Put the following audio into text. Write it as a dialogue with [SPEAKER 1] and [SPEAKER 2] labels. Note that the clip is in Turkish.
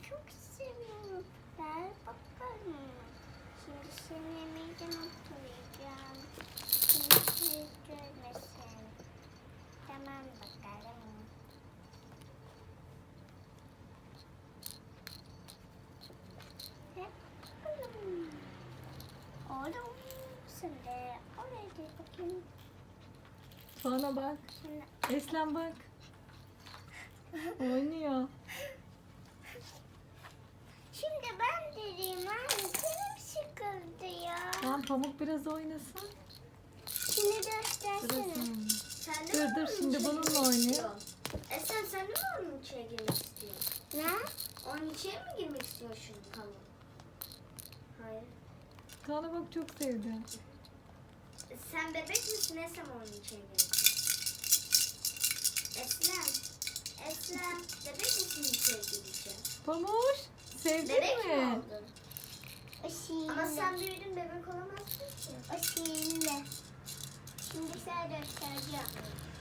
[SPEAKER 1] çok seviyorum. Ver bakalım. Şimdi seni yemeyeceğim, oturacağım. Şimdi görmesin. Tamam bakalım. Hep bakalım. Oğlum sen de oraya gel bakayım.
[SPEAKER 2] Bana bak.
[SPEAKER 1] Şimdi
[SPEAKER 2] Eslem bak. Oynuyor.
[SPEAKER 1] Şimdi ben dedim anne canım sıkıldı ya.
[SPEAKER 2] Tamam Pamuk biraz oynasın.
[SPEAKER 1] Şimdi göstersene.
[SPEAKER 2] Sırası.
[SPEAKER 3] Sen de
[SPEAKER 2] Dur
[SPEAKER 3] mi
[SPEAKER 2] dur
[SPEAKER 3] onun
[SPEAKER 2] şimdi
[SPEAKER 3] içine
[SPEAKER 2] bununla
[SPEAKER 3] girmek
[SPEAKER 2] oynuyor.
[SPEAKER 3] istiyorsun? Sen de mi onun içine girmek istiyorsun?
[SPEAKER 1] Ne?
[SPEAKER 3] Onun içine mi girmek istiyorsun şimdi Pamuk? Hayır.
[SPEAKER 2] Bana bak çok sevdi.
[SPEAKER 3] Sen bebek misin Eslem onun içine girmek? Eslem, bebek misin içine gireceğim?
[SPEAKER 2] Pamuk sevdin
[SPEAKER 3] Bebek mi
[SPEAKER 2] mi?
[SPEAKER 3] oldun?
[SPEAKER 1] O şiirle.
[SPEAKER 3] Ama sen büyüdün bebek olamazsın ki.
[SPEAKER 1] O şiirle. Şimdi sen göstereceğim.